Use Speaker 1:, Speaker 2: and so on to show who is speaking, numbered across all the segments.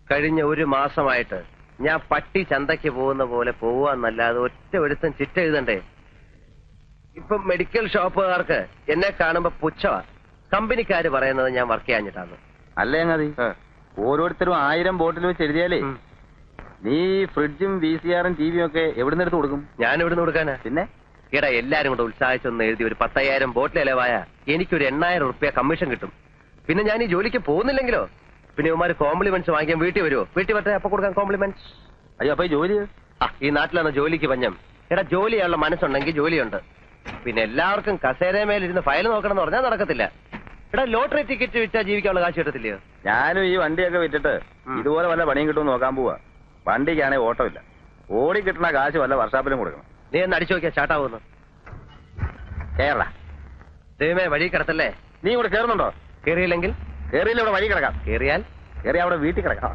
Speaker 1: കഴിഞ്ഞ ഒരു മാസമായിട്ട് ഞാൻ പട്ടി ചന്തയ്ക്ക് പോകുന്ന പോലെ പോവാന്നല്ലാതെ ഒറ്റ ഒരുത്തം ചിറ്റ എഴുതണ്ടേ. ഇപ്പൊ മെഡിക്കൽ ഷോപ്പുകാർക്ക് എന്നെ കാണുമ്പോ പുച്ഛവാ. കമ്പനിക്കാര് പറയുന്നത് ഞാൻ വർക്ക് ചെയ്യാഞ്ഞിട്ടാണ്.
Speaker 2: അല്ലേ അങ്ങതി ഓരോരുത്തരും 1000 ബോട്ടിൽ വെച്ച് എഴുതിയാലേ നീ ഫ്രിഡ്ജും VCR-ഉം TV-യും ഒക്കെ എവിടുന്ന് എടുത്ത് കൊടുക്കും?
Speaker 1: ഞാൻ എവിടുന്ന് കൊടുക്കാനാ?
Speaker 2: പിന്നെ
Speaker 1: ഈടാ എല്ലാരും കൂടെ ഉത്സാഹിച്ചൊന്ന് എഴുതി ഒരു 10,000 ബോട്ടിൽ ഇലവായ എനിക്കൊരു 8,000 റുപ്യ കമ്മീഷൻ കിട്ടും. പിന്നെ ഞാൻ ഈ ജോലിക്ക് പോകുന്നില്ലെങ്കിലോ? പിന്നെ ഇവന്മാര് കോംപ്ലിമെന്റ്സ് വാങ്ങിക്കാൻ വീട്ടിൽ വരുമോ? വീട്ടിൽ വരട്ടെ, അപ്പൊ കൊടുക്കാൻ കോംപ്ലിമെന്റ്സ്.
Speaker 2: അയ്യോ അപ്പൊ ഈ ജോലി
Speaker 1: ഈ നാട്ടിലാണ് ജോലിക്ക് പഞ്ഞം. എടാ ജോലി ചെയ്യാനുള്ള മനസ്സുണ്ടെങ്കിൽ ജോലിയുണ്ട്. പിന്നെ എല്ലാവർക്കും കസേരമേലിരുന്ന് ഫയൽ നോക്കണം എന്ന് പറഞ്ഞാൽ നടക്കത്തില്ല. എടാ ലോട്ടറി ടിക്കറ്റ് വിറ്റാ ജീവിക്കാനുള്ള കാശ് കിട്ടത്തില്ലയോ?
Speaker 2: ഞാനും ഈ വണ്ടിയൊക്കെ വിറ്റിട്ട് ഇതുപോലെ വല്ല പണിയും കിട്ടുമെന്ന് നോക്കാൻ പോവാ. വണ്ടിക്കാണെങ്കിൽ ഓട്ടമില്ല. ഓടി കിട്ടുന്ന കാശ് വല്ല വർഷാപ്പിലും കൊടുക്കണം.
Speaker 1: നീ ഒന്ന് അടിച്ചു നോക്കിയാ ചാട്ടാവുന്നു.
Speaker 2: കേരള
Speaker 1: ദൈവമേ വഴി കിടത്തല്ലേ.
Speaker 2: നീ ഇവിടെ കയറുന്നുണ്ടോ?
Speaker 1: കേറിയില്ലെങ്കിൽ
Speaker 2: കേറിയില്ല, ഇവിടെ വഴി കിടക്കാം.
Speaker 1: കേറിയാൽ
Speaker 2: അവിടെ വീട്ടിൽ കിടക്കാം.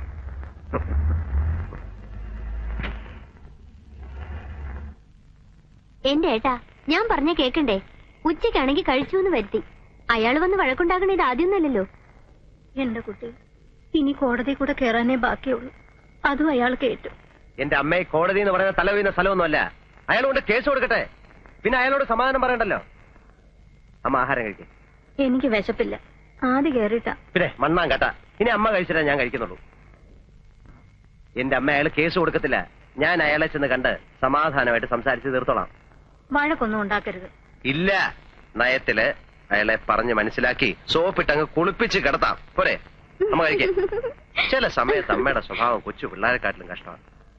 Speaker 3: എന്റെ ഏട്ടാ, ഞാൻ പറഞ്ഞ കേക്കണ്ടേ? ഉച്ചയ്ക്കാണെങ്കിൽ കഴിച്ചു എന്ന് വരുത്തി. അയാൾ വന്ന് വഴക്കുണ്ടാക്കണ ഇത് ആദ്യമൊന്നല്ലല്ലോ.
Speaker 4: എന്റെ കുട്ടി ഇനി കോടതി കൂടെ കയറാനേ ബാക്കിയുള്ളൂ. അതും അയാൾ കേട്ടു.
Speaker 1: എന്റെ അമ്മയെ കോടതി എന്ന് പറയുന്ന തല വീഴുന്ന സ്ഥലമൊന്നുമല്ല. അയാൾ കൊണ്ട് കേസ് കൊടുക്കട്ടെ, പിന്നെ അയാളോട് സമാധാനം പറയണ്ടല്ലോ. അമ്മ ആഹാരം കഴിക്കും.
Speaker 4: എനിക്ക് വിശപ്പില്ല. ആദ്യം കയറിട്ടാ.
Speaker 1: പിന്നെ മണ്ണാൻ കേട്ടാ. ഇനി അമ്മ കഴിച്ചിട്ടേ ഞാൻ കഴിക്കുന്നുള്ളൂ. എന്റെ അമ്മ അയാൾ കേസ് കൊടുക്കത്തില്ല. ഞാൻ അയാളെ ചെന്ന് കണ്ട് സമാധാനമായിട്ട് സംസാരിച്ച് തീർത്തോളാം.
Speaker 4: വഴക്കൊന്നും ഉണ്ടാക്കരുത്.
Speaker 1: ഇല്ല, നയത്തില് അയാളെ പറഞ്ഞ് മനസ്സിലാക്കി സോപ്പിട്ടങ്ങ് കുളിപ്പിച്ച് കിടത്താം. പോരെ? അമ്മ കഴിക്കേ. ചില സമയത്ത് അമ്മയുടെ സ്വഭാവം കൊച്ചു പിള്ളേരെക്കാട്ടിലും കഷ്ടമാണ്.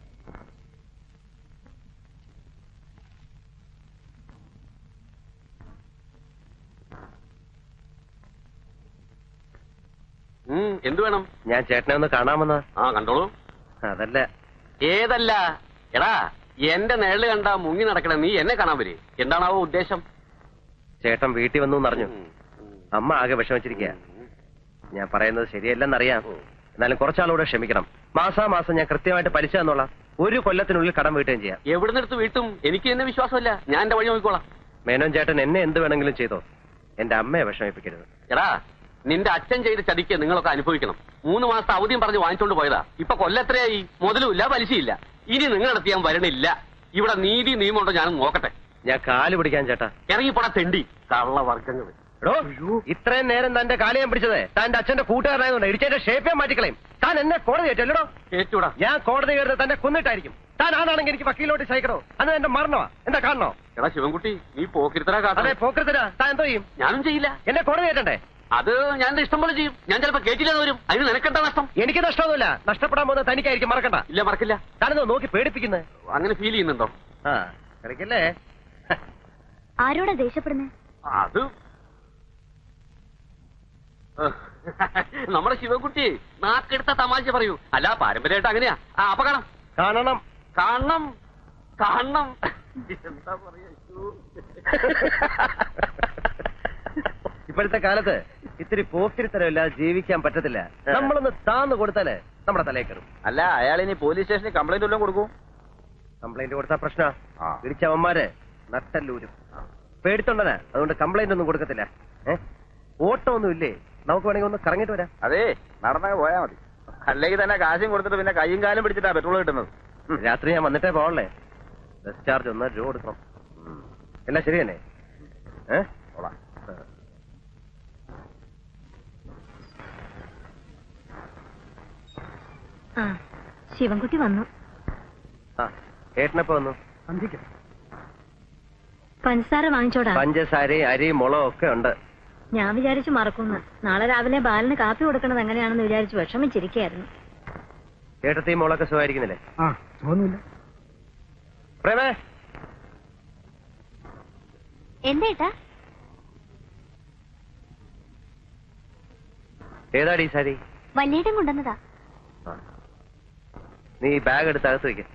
Speaker 5: എന്ത് വേണം?
Speaker 1: ഞാൻ ചേട്ടനെ ഒന്ന് കാണാമെന്ന്.
Speaker 5: കണ്ടോളൂ.
Speaker 1: അതല്ല.
Speaker 5: ഏതല്ല? എടാ എന്റെ നിഴല് കണ്ടാ മുങ്ങി നടക്കണ നീ എന്നെ കാണാൻ വരേ? എന്താണാവോ ഉദ്ദേശം?
Speaker 1: ചേട്ടൻ വീട്ടിൽ വന്നു എന്നറിഞ്ഞു. അമ്മ ആകെ വിഷമിച്ചിരിക്കുക. ഞാൻ പറയുന്നത് ശരിയല്ലെന്നറിയാം. എന്നാലും കുറച്ചാളൂടെ ക്ഷമിക്കണം. മാസാമാസം ഞാൻ കൃത്യമായിട്ട് പലിശ തന്നോളാം. 1 കൊല്ലത്തിനുള്ളിൽ കടം വീട്ടുകയും ചെയ്യാം.
Speaker 5: എവിടുന്നെടുത്ത് വീട്ടും? എനിക്ക് എന്നെ വിശ്വാസമല്ല. ഞാൻ എന്റെ വഴി നോക്കിക്കോളാം.
Speaker 1: മേനോൻ ചേട്ടൻ എന്നെ എന്ത് വേണമെങ്കിലും ചെയ്തോ, എന്റെ അമ്മയെ വിഷമിപ്പിക്കരുത്.
Speaker 5: എടാ നിന്റെ അച്ഛൻ ചെയ്ത ചതിക്ക് നിങ്ങളൊക്കെ അനുഭവിക്കണം. 3 മാസത്തെ അവധിയും പറഞ്ഞ് വാങ്ങിച്ചോണ്ട് പോയതാ. ഇപ്പൊ കൊല്ലത്രയായി. മുതലുമില്ല പലിശയില്ല. ഇനി നിങ്ങളടുത്ത് ഞാൻ വരണില്ല. ഇവിടെ നീതി നിയമമുണ്ടോ ഞാനും നോക്കട്ടെ.
Speaker 1: ഞാൻ കാല് പിടിക്കാൻ ചേട്ടാ.
Speaker 5: ഇറങ്ങിപ്പോടാ തെണ്ടി കള്ള വർഗങ്ങൾ.
Speaker 1: ഇത്രയും നേരം തന്റെ കാല് ഞാൻ പിടിച്ചത് തന്റെ അച്ഛന്റെ കൂട്ടുകാരനായതുകൊണ്ട് ഇടിച്ചതിന്റെ ഷേപ്പേ മാറ്റിക്കളയും. താൻ എന്നെ കോടതി ഏറ്റല്ലോ.
Speaker 5: ഏറ്റൂടാ.
Speaker 1: ഞാൻ കോടതി കയറുന്നത് തന്നെ കൊന്നിട്ടായിരിക്കും. താൻ ആണാണെങ്കിൽ എനിക്ക് വക്കീലോട്ട് സഹിക്കണോ? അന്ന് എന്റെ മരണമാ. എന്താ കാണണോ?
Speaker 5: എടാ ശിവൻകുട്ടി നീ പോക്കിരുത്തരാ കാട്ടെ.
Speaker 1: അതെ പോക്കരുത്തരാ. താൻ എന്തോ ചെയ്യും?
Speaker 5: ഞാനും ചെയ്യില്ല.
Speaker 1: എന്നെ കോടതി ഏറ്റണ്ടേ?
Speaker 5: അത് ഞാൻ ഇഷ്ടം പോലെ ചെയ്യും. ഞാൻ ചിലപ്പോ കേട്ടില്ലെന്ന് വരും. അതിന് നിനക്കെന്താ നഷ്ടം?
Speaker 1: എനിക്ക് നഷ്ടമൊന്നുമില്ല. നഷ്ടപ്പെടാൻ പോകുന്നത് തനിക്കായിരിക്കും. മറക്കണ്ട.
Speaker 5: ഇല്ല മറക്കില്ല.
Speaker 1: താനെന്തോ നോക്കി പേടിപ്പിക്കുന്നത്?
Speaker 5: അങ്ങനെ ഫീൽ ചെയ്യുന്നുണ്ടോ?
Speaker 1: കളിക്കല്ലേ.
Speaker 3: ആരോടാ ദേഷ്യപ്പെടുന്നേ?
Speaker 5: അത് നമ്മുടെ ശിവൻകുട്ടി നാക്കെടുത്ത തമാശ പറയൂ. അല്ല പാരമ്പര്യമായിട്ട് അങ്ങനെയാ. അപ്പൊ കാണാം.
Speaker 1: കാണണം
Speaker 5: കാണണം കാണണം. എന്താ പറയാ?
Speaker 1: ഇപ്പോഴത്തെ കാലത്ത് ഇത്തിരി പോക്കിരിത്തരമില്ലാതെ ജീവിക്കാൻ പറ്റത്തില്ല. നമ്മളൊന്ന് താന്ന് കൊടുത്താലേ നമ്മുടെ തലയിൽ കയറും.
Speaker 2: അല്ല അയാൾ ഇനി പോലീസ് സ്റ്റേഷനിൽ കംപ്ലൈന്റ് വല്ലതും കൊടുക്കും?
Speaker 1: കംപ്ലൈന്റ് കൊടുത്താ പ്രശ്ന. ഇടിച്ചവന്മാര് നട്ടല്ലൂരും. പേടിത്തൊണ്ടനാ. അതുകൊണ്ട് കംപ്ലൈന്റ് ഒന്നും കൊടുക്കത്തില്ല. ഓട്ടം ഒന്നും ഇല്ലേ? നമുക്ക് വേണമെങ്കിൽ ഒന്ന് കറങ്ങിട്ട് വരാം.
Speaker 2: അതെ നടന്നങ്ങ് പോയാ മതി. അല്ലെങ്കിൽ തന്നെ കാശും കൊടുത്തിട്ട് പിന്നെ കയ്യും കാലും പിടിച്ചിട്ടാ പെട്രോൾ കിട്ടുന്നത്.
Speaker 1: രാത്രി ഞാൻ വന്നിട്ടേ പോകണല്ലേ. ബസ് ചാർജ് 1 രൂപ കൊടുക്കണം. എല്ലാം ശരി തന്നെ.
Speaker 4: ശിവൻകുട്ടി വന്നു.
Speaker 1: ഏട്ടനപ്പോ വന്നു.
Speaker 4: പഞ്ചസാര വാങ്ങിച്ചോടാ.
Speaker 1: പഞ്ചസാരയും അരി മുളകും ഒക്കെ ഉണ്ട്.
Speaker 4: ഞാൻ വിചാരിച്ചു മറക്കുന്നു. നാളെ രാവിലെ ബാലന് കാപ്പി കൊടുക്കണത് എങ്ങനെയാണെന്ന് വിചാരിച്ചു വിഷമിച്ചിരിക്കുകയായിരുന്നു.
Speaker 1: ഏട്ടത്തെയും മോളൊക്കെ സുഖമായിരിക്കുന്നില്ലേ? പ്രേമേ
Speaker 3: എന്തേട്ടാ?
Speaker 1: ഏതാടി ഈ സാരി?
Speaker 3: വല്യേട്ടൻ കൊണ്ടുവന്നതാ.
Speaker 1: നീ ബാഗ് എടുത്ത് അകത്ത് വയ്ക്ക.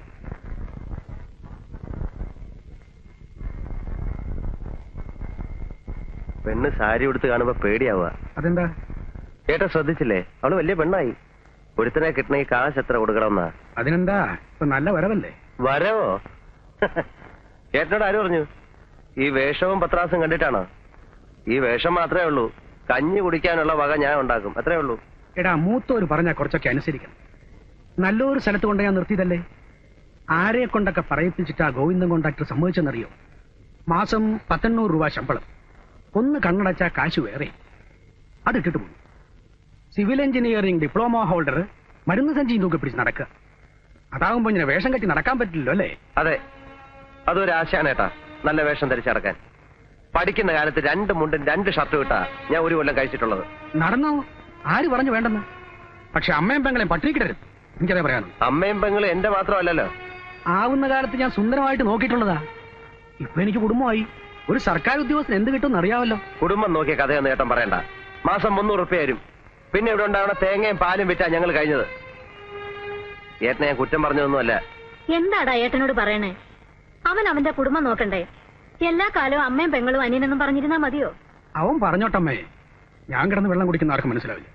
Speaker 1: പെണ്ണ് സാരി ഉടുത്ത് കാണുമ്പോ പേടിയാവുക.
Speaker 6: അതെന്താ?
Speaker 1: ചേട്ടാ ശ്രദ്ധിച്ചില്ലേ? അവള് വലിയ പെണ്ണായി. ഒരുത്തനെ കിട്ടണമെങ്കിൽ കാശ് എത്ര കൊടുക്കണമെന്നാ?
Speaker 6: അതിനെന്താ ഇപ്പൊ നല്ല വരവല്ലേ?
Speaker 1: വരവോ? ചേട്ടനോട് ആര് പറഞ്ഞു? ഈ വേഷവും പത്രാസും കണ്ടിട്ടാണോ? ഈ വേഷം മാത്രമേ ഉള്ളൂ. കഞ്ഞി കുടിക്കാനുള്ള വക ഞാൻ ഉണ്ടാക്കും. അത്രേ ഉള്ളൂ.
Speaker 6: എടാ മൂത്തോര് പറഞ്ഞാ കുറച്ചൊക്കെ അനുസരിക്കണം. നല്ലൊരു സ്ഥലത്ത് കൊണ്ട് ഞാൻ നിർത്തിയതല്ലേ? ആരെ കൊണ്ടൊക്കെ പറയിപ്പിച്ചിട്ടാ ഗോവിന്ദൻ കോൺട്രാക്ടർ സമ്മതിച്ചെന്നറിയോ? മാസം 1800 രൂപ ശമ്പളം, ഒന്ന് കണ്ണടച്ചാ കാശ് വേറെ. അതിട്ടിട്ട് പോകും. സിവിൽ എഞ്ചിനീയറിംഗ് ഡിപ്ലോമ ഹോൾഡർ മരുന്ന് സഞ്ചിയും തൂക്കി പിടിച്ച് നടക്കുക. അതാകുമ്പോ ഇങ്ങനെ വേഷം കെട്ടി നടക്കാൻ പറ്റില്ലല്ലോ അല്ലേ?
Speaker 1: അതെ, അതൊരു ആശയാണ് ഏട്ടാ, നല്ല വേഷം ധരിച്ചടക്കാൻ. പഠിക്കുന്ന കാലത്ത് 2 മുണ്ടും 2 ഷർട്ടും ഇട്ടാ ഞാൻ ഒരു കൊല്ലം കഴിച്ചിട്ടുള്ളത്.
Speaker 6: നടന്നോ? ആര് പറഞ്ഞു വേണ്ടെന്ന്? പക്ഷെ അമ്മയും പെങ്ങളെയും പട്ടിണിക്കിടരുത്, എനിക്കതേ പറയാനുള്ളൂ.
Speaker 1: അമ്മയും പെങ്ങളും എന്റെ മാത്രമല്ലല്ലോ.
Speaker 6: ആവുന്ന കാലത്ത് ഞാൻ സുന്ദരമായിട്ട് നോക്കിയിട്ടുള്ളതാ. ഇപ്പൊ എനിക്ക് കുടുംബമായി. ഒരു സർക്കാർ ഉദ്യോഗസ്ഥന് എന്ത് കിട്ടുമെന്ന് അറിയാമല്ലോ.
Speaker 1: കുടുംബം നോക്കിയ കഥയൊന്നും ഏട്ടൻ പറയണ്ട. മാസം 300 റുപ്യ വരും. പിന്നെ ഇവിടെ ഉണ്ടാവണ തേങ്ങയും പാലും വിറ്റാ ഞങ്ങൾ കഴിഞ്ഞത്. ഏട്ടനെ ഞാൻ കുറ്റം പറഞ്ഞതൊന്നുമല്ല.
Speaker 4: എന്താടാ ഏട്ടനോട് പറയണേ? അവൻ അവന്റെ കുടുംബം നോക്കണ്ടേ? എല്ലാ കാലവും അമ്മയും പെങ്ങളും അനിയനെന്നും പറഞ്ഞിരുന്നാ മതിയോ?
Speaker 6: അവൻ പറഞ്ഞോട്ടമ്മേ, ഞാൻ കിടന്ന് വെള്ളം കുടിക്കുന്ന ആർക്കും മനസ്സിലാവില്ല.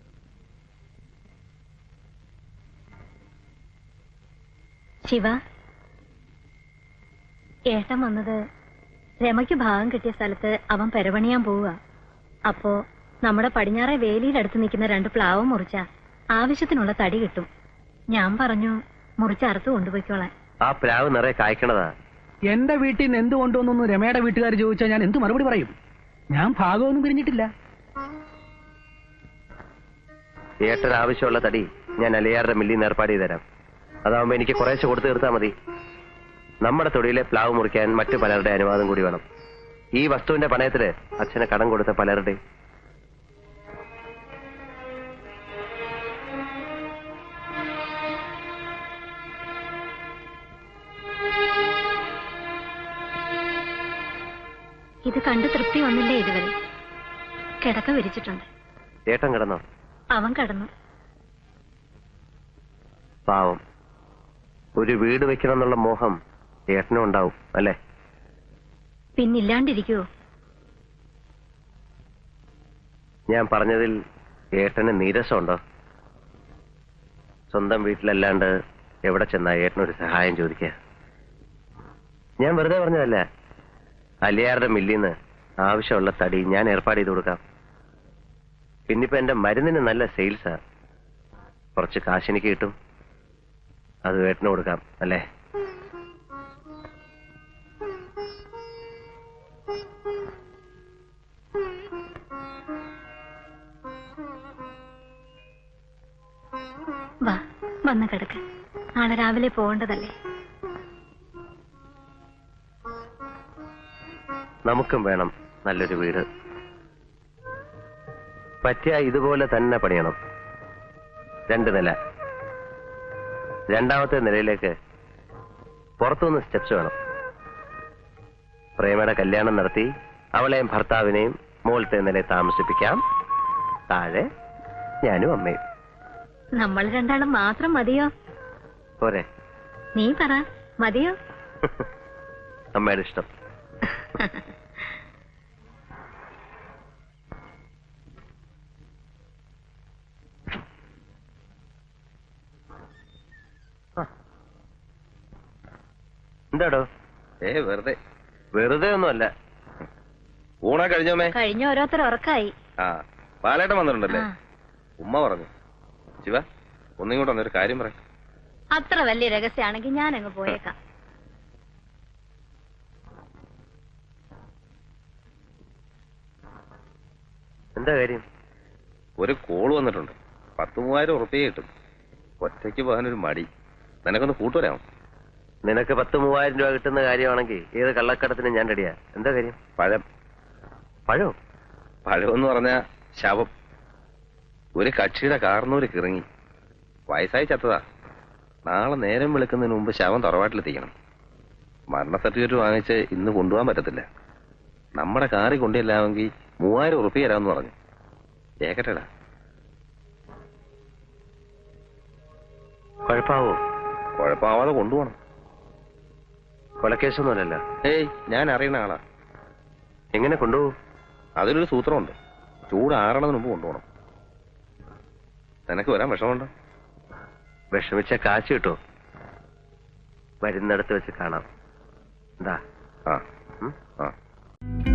Speaker 4: ശിവ, ഏട്ടൻ വന്നത് രമയ്ക്ക് ഭാഗം കിട്ടിയ സ്ഥലത്ത് അവൻ പെരപണിയാൻ പോവുക. അപ്പോ നമ്മുടെ പടിഞ്ഞാറെ വേലിയിലടുത്ത് നിൽക്കുന്ന 2 പ്ലാവ് മുറിച്ച ആവശ്യത്തിനുള്ള തടി കിട്ടും. ഞാൻ പറഞ്ഞു മുറിച്ചറുത്ത് കൊണ്ടുപോയിക്കോളാൻ.
Speaker 1: ആ പ്ലാവ് നിറയെ കായ്ക്കണതാ.
Speaker 6: എന്റെ വീട്ടിൽ നിന്ന് എന്ത് കൊണ്ടുവന്നു രമയുടെ വീട്ടുകാർ ചോദിച്ചാൽ ഞാൻ എന്ത് മറുപടി പറയും? ഞാൻ ഭാഗമൊന്നും പിരിഞ്ഞിട്ടില്ല.
Speaker 1: ഏട്ടന് ആവശ്യമുള്ള തടി ഞാൻ അലിയാറുടെ മില്ലിൽ നിന്ന് ഏർപ്പാട് ചെയ്ത് തരാം. അതാവുമ്പോ എനിക്ക് കുറേശ്ശെ കൊടുത്തു തീർത്താൽ മതി. നമ്മുടെ തൊടിയിലെ പ്ലാവ് മുറിക്കാൻ മറ്റു പലരുടെ അനുവാദം കൂടി വേണം. ഈ വസ്തുവിന്റെ പണയത്തില് അച്ഛന് കടം കൊടുത്ത പലരുടെ.
Speaker 4: ഇത് കണ്ട് തൃപ്തി വന്നില്ലേ ഇതുവരെ? കിടക്ക വിരിച്ചിട്ടുണ്ട്.
Speaker 1: ഏട്ടൻ കിടന്നോ?
Speaker 4: അവൻ കിടന്നു.
Speaker 1: പാവം, ഒരു വീട് വെക്കണം എന്നുള്ള മോഹം ഏട്ടനും ഉണ്ടാവും അല്ലേ?
Speaker 4: പിന്നില്ലാണ്ടിരിക്കുവോ?
Speaker 1: ഞാൻ പറഞ്ഞതിൽ ഏട്ടന് നീരസമുണ്ടോ? സ്വന്തം വീട്ടിലല്ലാണ്ട് എവിടെ ചെന്നാ ഏട്ടനൊരു സഹായം ചോദിക്കുക? ഞാൻ വെറുതെ പറഞ്ഞതല്ല. അലിയാറുടെ മില്ലിന്ന് ആവശ്യമുള്ള തടി ഞാൻ ഏർപ്പാട് ചെയ്ത് കൊടുക്കാം. പിന്നിപ്പോ എന്റെ മരുന്നിന് നല്ല സെയിൽസാ. കുറച്ച് കാശെനിക്ക് കിട്ടും. അത് ഏട്ടന് കൊടുക്കാം അല്ലേ?
Speaker 4: വാ, വന്ന് കിടക്ക്. നാളെ രാവിലെ പോകേണ്ടതല്ലേ?
Speaker 1: നമുക്കും വേണം നല്ലൊരു വീട്. പറ്റിയ ഇതുപോലെ തന്നെ പണിയണം. 2 നില. 2ാമത്തെ നിലയിലേക്ക് പുറത്തുനിന്ന് സ്റ്റെപ്സ് വേണം. പ്രേമയുടെ കല്യാണം നടത്തി അവളെയും ഭർത്താവിനെയും മുകളിലത്തെ നിലയിൽ താമസിപ്പിക്കാം. താഴെ ഞാനും അമ്മയും.
Speaker 4: നമ്മൾ 2 മാത്രം മതിയോ?
Speaker 1: പോരെ?
Speaker 4: നീ പറ, മതിയോ?
Speaker 1: അമ്മയുടെ ഇഷ്ടം. എന്താടോ?
Speaker 2: വെറുതെ.
Speaker 1: വെറുതെ ഒന്നുമല്ല.
Speaker 2: ഊണാ കഴിഞ്ഞോമേ?
Speaker 4: കഴിഞ്ഞ ഓരോരുത്തർ ഉറക്കായി.
Speaker 2: ആ, പാലേട്ടൻ വന്നിട്ടുണ്ടല്ലേ?
Speaker 4: ആ.
Speaker 2: ഉമ്മ പറഞ്ഞു. ശിവ, ഒന്നിങ്ങോട്ട് വന്നൊരു കാര്യം പറ.
Speaker 4: അത്ര വലിയ രഹസ്യമാണെങ്കിൽ ഞാൻ അങ്ങ് പോയേക്കാം.
Speaker 1: എന്താ കാര്യം?
Speaker 2: ഒരു കോള് വന്നിട്ടുണ്ട്. 10,000 ഉറുപ്പിക കിട്ടും. ഒറ്റയ്ക്ക് പോകാനൊരു മടി. നിനക്കൊന്ന് കൂട്ടുവരാമോ?
Speaker 1: നിനക്ക് 10,000 രൂപ കിട്ടുന്ന കാര്യമാണെങ്കിൽ ഏത് കള്ളക്കടത്തിന് ഞാൻ റെഡിയാ. എന്താ കാര്യം?
Speaker 2: പഴം.
Speaker 1: പഴോ?
Speaker 2: പഴമെന്ന് പറഞ്ഞ ശവം. ഒരു കക്ഷിയുടെ കാർന്നൂര് കിറങ്ങി. വയസ്സായി ചത്തതാ. നാളെ നേരം വെളുക്കുന്നതിന് മുമ്പ് ശവം തറവാട്ടിലെത്തിക്കണം. മരണ സർട്ടിഫിക്കറ്റ് വാങ്ങിച്ച് ഇന്ന് കൊണ്ടുപോകാൻ പറ്റത്തില്ല. നമ്മുടെ കാറി കൊണ്ടില്ലാമെങ്കിൽ 3,000 ഉറുപ്പിക തരാമെന്ന് പറഞ്ഞു. കേക്കട്ടെടാ.
Speaker 1: കുഴപ്പാവോ?
Speaker 2: കുഴപ്പമാവാതെ കൊണ്ടുപോകണം.
Speaker 1: കൊലക്കേസൊന്നുമല്ലല്ലോ.
Speaker 2: ഏയ്, ഞാൻ അറിയുന്ന ആളാ.
Speaker 1: എങ്ങനെ കൊണ്ടുപോകും?
Speaker 2: അതിനൊരു സൂത്രമുണ്ട്. ചൂടാറണതിന് മുമ്പ് കൊണ്ടുപോകണം. നിനക്ക് വരാൻ വിഷമമുണ്ടോ?
Speaker 1: വിഷമിച്ച കാശ് കിട്ടുമോ? വരുന്നിടത്ത് വെച്ച് കാണാം. എന്താ?
Speaker 2: ആ.